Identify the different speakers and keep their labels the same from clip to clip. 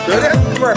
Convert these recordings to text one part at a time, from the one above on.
Speaker 1: Öyle yapma.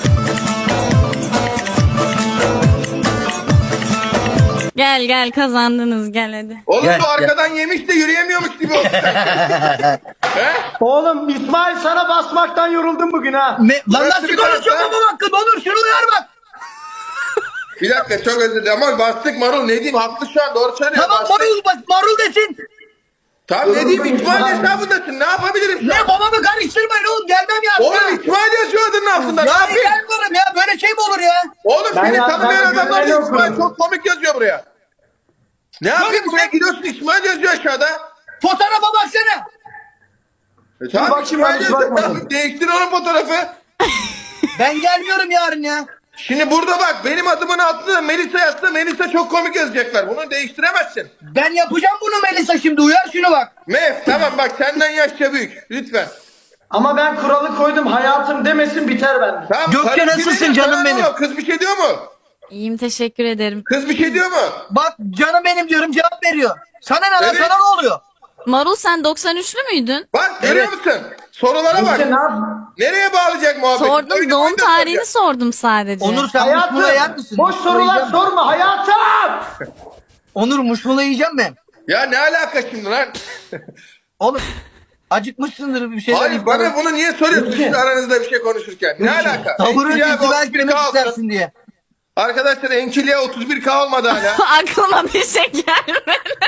Speaker 2: Gel gel kazandınız gel hadi.
Speaker 1: Oğlum
Speaker 3: Gel,
Speaker 1: bu arkadan yemiş de yürüyemiyormuş gibi oldu. He?
Speaker 4: Oğlum İsmail sana basmaktan yoruldum bugün ha.
Speaker 3: Lan
Speaker 1: Burası
Speaker 3: nasıl
Speaker 1: bir
Speaker 3: konuşuyor
Speaker 1: tarafta.
Speaker 3: babam hakkında? Onur şunu uyar bak.
Speaker 1: Bir dakika çok özür dilerim ama bastık Marul ne diyeyim haklı şu an doğru söylüyor.
Speaker 3: Tamam
Speaker 1: bastık.
Speaker 3: marul desin.
Speaker 1: Tamam ne diyeyim İsmail hesabındasın ne yapabilirim şu an?
Speaker 3: Ne babamı karıştırmayın oğlum, gelmem ya.
Speaker 1: Oğlum İsmail yazıyor adının altında ne
Speaker 3: Ya
Speaker 1: yapayım?
Speaker 3: gelmiyorum ya, böyle şey mi olur ya?
Speaker 1: Oğlum
Speaker 4: Ben
Speaker 1: seni
Speaker 4: ya-
Speaker 1: tanımayan
Speaker 4: ben
Speaker 1: adamlar da
Speaker 4: güvenli
Speaker 1: İsmail
Speaker 4: okurum.
Speaker 1: çok komik yazıyor buraya. Ne yapayım
Speaker 3: bir
Speaker 1: buraya
Speaker 3: şey-
Speaker 1: gidiyorsun İsmail yazıyor aşağıda.
Speaker 3: Fotoğrafa baksana.
Speaker 1: Tamam
Speaker 4: bakayım,
Speaker 1: İsmail
Speaker 4: ben hiç
Speaker 1: yazıyor.
Speaker 4: bakmadım.
Speaker 1: Tamam, değiştir onun fotoğrafı.
Speaker 3: Ben gelmiyorum yarın ya.
Speaker 1: Şimdi burada bak benim adımın altında Melisa yazsa Melisa çok komik yazacaklar. Bunu değiştiremezsin.
Speaker 3: Ben yapacağım bunu Melisa, şimdi uyar şunu bak.
Speaker 1: Mef tamam bak senden yaşça büyük. Lütfen.
Speaker 4: Ama ben kuralı koydum, hayatım demesin biter bende.
Speaker 1: Tamam,
Speaker 3: Gökçe,
Speaker 1: karı
Speaker 3: nasılsın
Speaker 1: kim
Speaker 3: canım
Speaker 1: Sana ne
Speaker 3: benim?
Speaker 1: o? Kız bir şey diyor mu?
Speaker 2: İyiyim teşekkür ederim.
Speaker 1: Kız bir şey diyor mu?
Speaker 3: Bak canım benim diyorum, cevap veriyor. Sana ne lan,
Speaker 1: Evet.
Speaker 3: sana ne oluyor?
Speaker 2: Marul sen 93'lü müydün?
Speaker 1: Bak görüyor musun? Sorulara bak.
Speaker 4: İşte ne yap?
Speaker 1: Nereye bağlayacak muhabbet?
Speaker 2: Sordum doğum tarihini sordum sadece.
Speaker 3: Onur sen muşmula yer
Speaker 4: Hayatım
Speaker 3: misin?
Speaker 4: boş
Speaker 3: Muşmula
Speaker 4: sorular
Speaker 3: yiyeceğim mi?
Speaker 4: sorma hayatım.
Speaker 3: Onur muşmula yiyeceğim mi?
Speaker 1: Ya ne alaka şimdi lan?
Speaker 3: Oğlum acıkmışsındır bir şeyler.
Speaker 1: Hayır bana bunu niye soruyorsun
Speaker 4: Peki.
Speaker 1: siz aranızda bir şey konuşurken? Ne alaka?
Speaker 3: Taburun
Speaker 1: Enkilya
Speaker 3: izdivaç
Speaker 1: 31K
Speaker 3: demek
Speaker 1: olsun.
Speaker 3: istersin diye.
Speaker 1: Arkadaşlar Enkilya 31K olmadı hala.
Speaker 2: Aklıma bir şey gelmedi.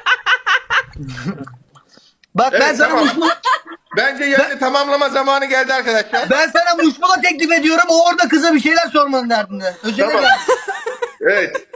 Speaker 3: Bak ben
Speaker 1: Evet,
Speaker 3: sana
Speaker 1: tamam.
Speaker 3: muşmula,
Speaker 1: Bence yayını tamamlama zamanı geldi arkadaşlar.
Speaker 3: ben sana muşmula teklif ediyorum. O orada kıza bir şeyler sormanın derdinde. Özellikle.
Speaker 1: Tamam. Evet.